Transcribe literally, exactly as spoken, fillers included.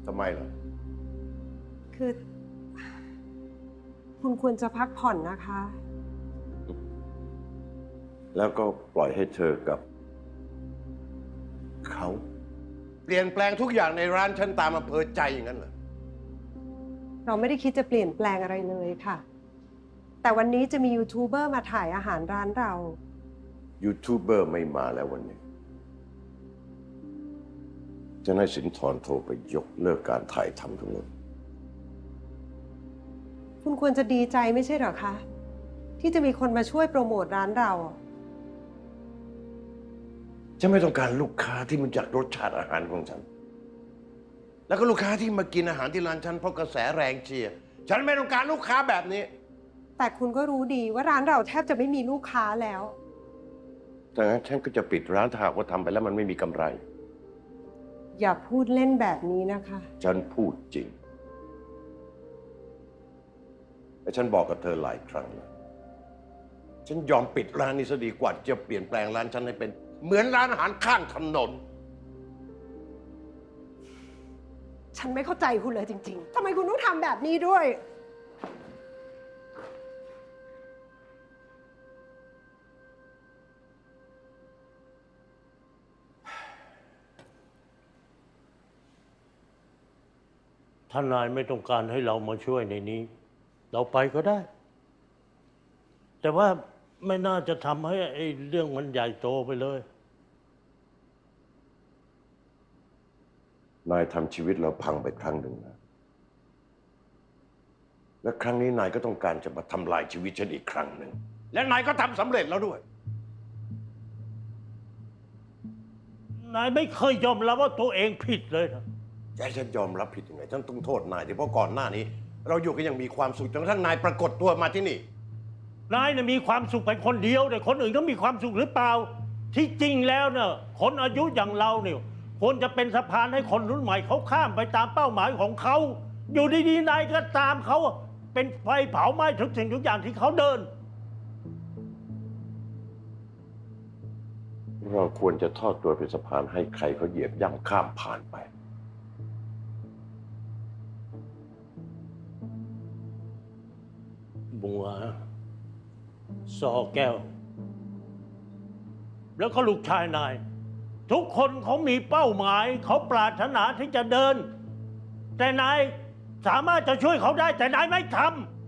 ทำไมล่ะคือ คุณควรจะพักผ่อนนะคะแล้วก็ปล่อยให้เธอกับเขาเปลี่ยนแปลงทุกอย่างในร้านฉันตามอำเภอใจอย่างนั้นเหรอเราไม่ได้คิดจะเปลี่ยนแปลงอะไรเลยค่ะ แต่วันนี้จะมียูทูบเบอร์มาถ่ายอาหารร้านเรายูทูบเบอร์ไม่มาแล้ววันนี้จะให้สินทรโทรไปยกเลิกการถ่ายทำทั้งหมดคุณควรจะดีใจไม่ใช่เหรอคะ ที่จะมีคนมาช่วยโปรโมทร้านเราฉันไม่ต้องการลูกค้าที่มันจากรสชาติอาหารของฉัน แล้วก็ลูกค้าที่มากินอาหารที่ร้านฉันเพราะกระแสแรงเชียร์ฉันไม่ต้องการลูกค้าแบบนี้แต่คุณก็รู้ดีว่าร้านเราแทบจะไม่มีลูกค้าแล้วดังนั้นฉันก็จะปิดร้านถ้าหากว่าทำไปแล้วมันไม่มีกำไรอย่าพูดเล่นแบบนี้นะคะฉันพูดจริงและฉันบอกกับเธอหลายครั้งแล้วฉันยอมปิดร้านนี้ซะดีกว่าจะเปลี่ยนแปลงร้านฉันให้เป็นเหมือนร้านอาหารข้างถนนฉันไม่เข้าใจคุณเลยจริงๆทำไมคุณต้องทำแบบนี้ด้วยถ้านายไม่ต้องการให้เรามาช่วยในนี้ เราไปก็ได้ แต่ว่าไม่น่าจะทำให้ไอ้เรื่องมันใหญ่โตไปเลยนายทำชีวิตเราพังไปครั้งหนึ่งนะและครั้งนี้นายก็ต้องการจะมาทำลายชีวิตฉันอีกครั้งหนึ่งและนายก็ทำสำเร็จแล้วด้วยนายไม่เคยยอมรับว่าตัวเองผิดเลยนะจะให้ฉันยอมรับผิดยังไงฉันต้องโทษนายเพราะก่อนหน้านี้ เราอยู่กันยังมีความสุขจนกระทั่งนายปรากฏตัวมาที่นี่นายเนี่ยมีความสุขไปคนเดียวแต่คนอื่นเขามีความสุขหรือเปล่าที่จริงแล้วเนี่ยคนอายุอย่างเราเนี่ยควรจะเป็นสะพานให้คนรุ่นใหม่เขาข้ามไปตามเป้าหมายของเขาอยู่ดีๆนายก็ตามเขาเป็นไฟเผาไหม้ทุกสิ่งทุกอย่างที่เขาเดินเราควรจะทอดตัวเป็นสะพานให้ใครเขาเหยียบย่ำข้ามผ่านไปบัวซอแก้วแล้วก็ลูกชายนายทุกคนเขามีเป้าหมายเขาปรารถนาที่จะเดินแต่นายสามารถจะช่วยเขาได้แต่นายไม่ทำ